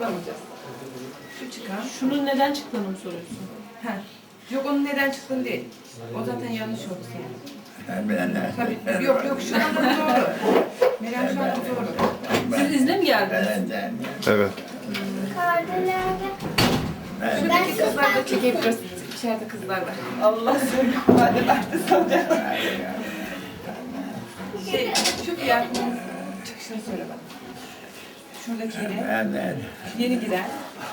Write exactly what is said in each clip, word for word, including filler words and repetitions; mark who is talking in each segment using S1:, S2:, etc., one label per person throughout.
S1: çıkarmayacağız. Şu çıkan.
S2: Şunun neden çıktığını mı soruyorsun?
S1: Ha. Yok onun neden çıktığını değil. O zaten yanlış oldu senin. Tabii. Yok yok şu anda doğru. Meryem şu anda doğru.
S2: Siz izle mi geldiniz?
S3: Evet.
S1: Şuradaki kızlar da çekebiliriz. İçeride kızlar da. Allah söyle. Hadi artist olacak. Şey, şu fiyatının çıkışını söyle bana. Şuradaki yeni. Yeni giren.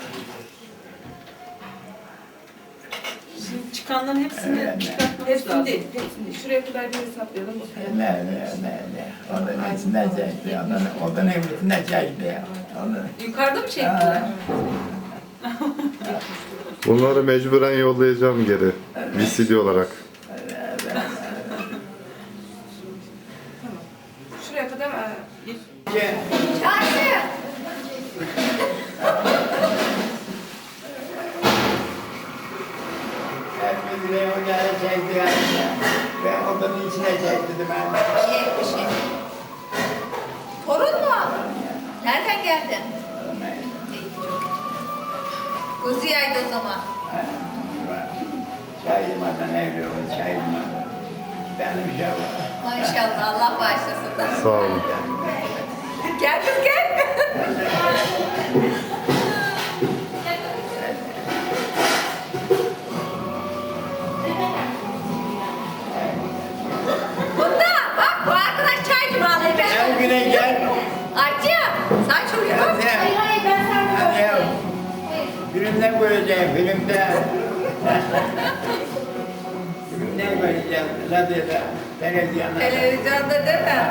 S2: Şimdi çıkanların hepsini çıkartmamız
S1: Hepsini
S2: lazım.
S1: değil, hepsini değil. Şuraya kadar bir hesaplayalım.
S4: Ne ne ne ne. Onun içinde çekti. Onun, onun evlisinde çekti. Onun.
S2: Yukarıda mı çektiler?
S3: Bunları mecburen yollayacağım geri. V C D olarak.
S1: Tamam. Şuraya kadar e, bir...
S4: Her bir liraya o geldi çekti. Ve odanın içine çekti ben.
S5: İyi bir şey. Torun mu? Nereden geldin? İyi, çok iyi. Gözü yaydı o zaman.
S4: Çayırmadan evliyorum, çayırmadan. Benim şey var.
S5: Maşallah Allah bağışlasın.
S3: Sağ olun.
S5: Gel kız gel. Bunda bak bu arkadaş çaycı bağlayı
S4: Gel
S5: ben.
S4: güne gel.
S5: Arcığım sen çok iyi bak.
S4: Gel sen.
S5: hayır ben sen
S4: Hadi ya. Filmde göreceğim, filmde. Filmde göreceğim, radyoda, televizyonda.
S5: Televizyonda değil mi?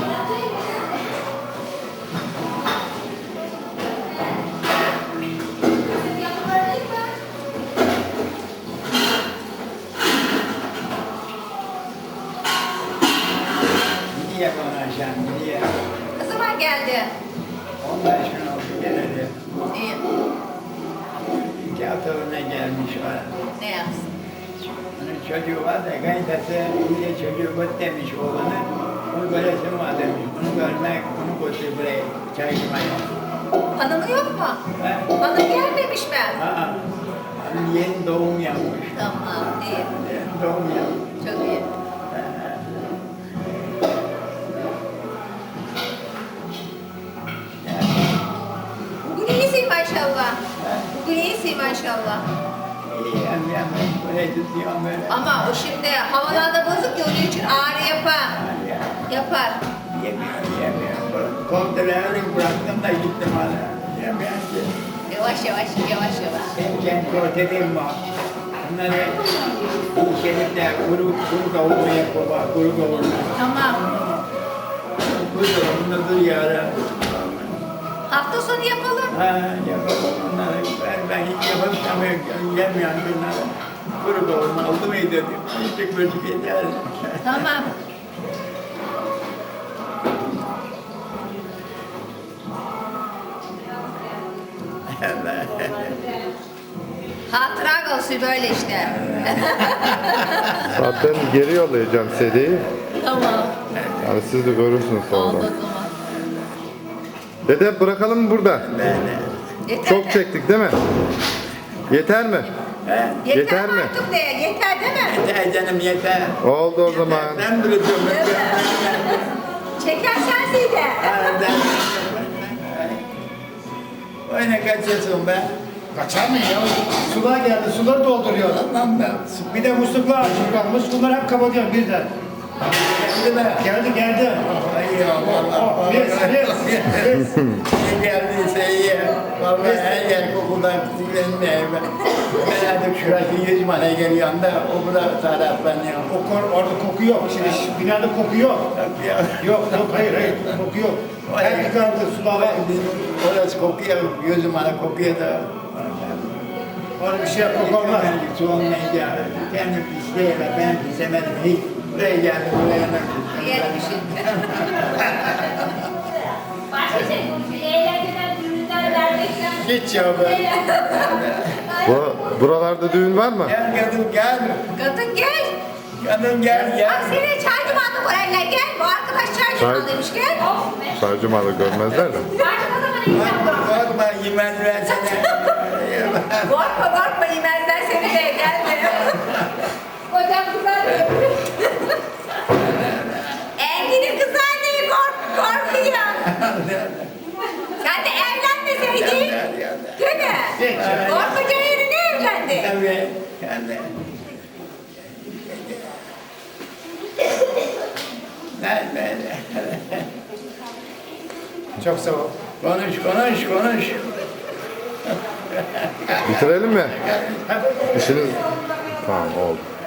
S4: Gidiyor bana aşağı, gidiyor.
S5: Ne zaman geldi?
S4: on beş gün oldu geleli.
S5: İyi.
S4: İki hafta önce gelmiş var.
S5: Ne yapsın?
S4: Onun çocuğu var da kayıntısı iyice çocuğu göt demiş oğlanı. Onu göresim var demiş. Onu görmek, onu götür buraya çay içmeye.
S5: Hanımı yok mu?
S4: Ha?
S5: Hanım gelmemiş mi?
S4: Aa, hanım yeni doğum yapmış.
S5: Tamam, iyi.
S4: Yeni doğum yapmış.
S5: Çok iyi. Bugün iyisin maşallah. Bugün iyisin maşallah.
S4: İyi hem hem böyle tutuyorum böyle.
S5: Ama o şimdi havalarda bozuk ya onun için ağrı yapar.
S4: Ya,
S5: Yapar.
S4: yemiyorum, yemiyorum. Kontrolörü bıraktım da gittim hala. Yemiyorum ki.
S5: Yavaş yavaş, yavaş yavaş.
S4: Hem kendi protein var. Bunları bu şerifte kuru, kuru kavurma yapıyorlar, kuru kavurma.
S5: Tamam.
S4: Kuru kavurma dur yarın.
S5: Hafta sonu yapalım.
S4: Ha, yapalım onları. Ben, ben hiç yapamıyorum, yemiyorum bunları. Kuru kavurma oldu muydu diyor. Küçük küçük yeter.
S5: Tamam. Hatıra kalsın böyle işte.
S3: Zaten geri yollayacağım C D'yi.
S5: Tamam.
S3: Yani siz de görürsünüz
S5: Oldu o
S3: sonra.
S5: zaman.
S3: Dede bırakalım mı burada?
S5: Yeter
S3: Çok
S5: mi?
S3: çektik değil mi? Yeter mi?
S5: Yeter,
S3: Yeter
S5: mi
S3: mi?
S5: artık de? Yeter değil mi?
S4: Yeter canım yeter.
S3: Oldu o zaman.
S4: Ben bırakıyorum.
S5: Değil mi? Çekersen de.
S4: Oyna kaçıyorsun be.
S6: Kaçar mı ya? Sular geldi, suları dolduruyor.
S4: Lan ben.
S6: Bir de musluklar açık kalmış, bunları hep kapatıyor birden.
S4: Geldi be.
S6: Geldi, geldi.
S4: Ay ya vallahi.
S6: Yes, yes, yes.
S4: İyi geldiyse iyi. Vallahi her yer kokudan kızıklanmıyor. Ben artık şurası yüz mane geliyor da o burada taraflanıyor.
S6: O kor, orada koku yok. Şimdi şu binada koku yok.
S4: Ya.
S6: Yok, yok, hayır, hayır, koku yok. Her yıkandı, sular var.
S4: Orası kokuyor, gözüm bana kokuyor da.
S6: Orada bir şey yok, koku olmaz.
S4: Ben su olmayınca kendim isteyelim, ben istemedim hiç. Buraya geldim, buraya nasıl?
S5: Yer bir şey.
S7: Başka şey konuşuyor. Eğlenceden, ürünler vermekten.
S4: Hiç ya be.
S3: Bu, buralarda düğün var mı?
S4: Gel kadın gel.
S5: Kadın gel.
S4: Kadın gel
S5: Bak
S4: gel.
S5: seni çaycı mı aldı buraya gel. Bu arkadaş çaycı mı
S3: Çay-
S5: aldıymış gel.
S3: Çaycı malı görmezler de.
S5: Çaycı mı
S4: Korkma, korkma, yemezler seni.
S5: Korkma korkma yemezler seni de gelme.
S7: Hocam kızar diyor.
S5: Engin'in kızı anneyi kork, korkuyor. Sen de evlenmeseydin. Değil mi? Korkunca yerine evlendi.
S4: Tabii, yani. Ben, ben.
S6: Çok sağ ol.
S4: Konuş, konuş, konuş.
S3: Bitirelim mi? İşiniz... Tamam oldu.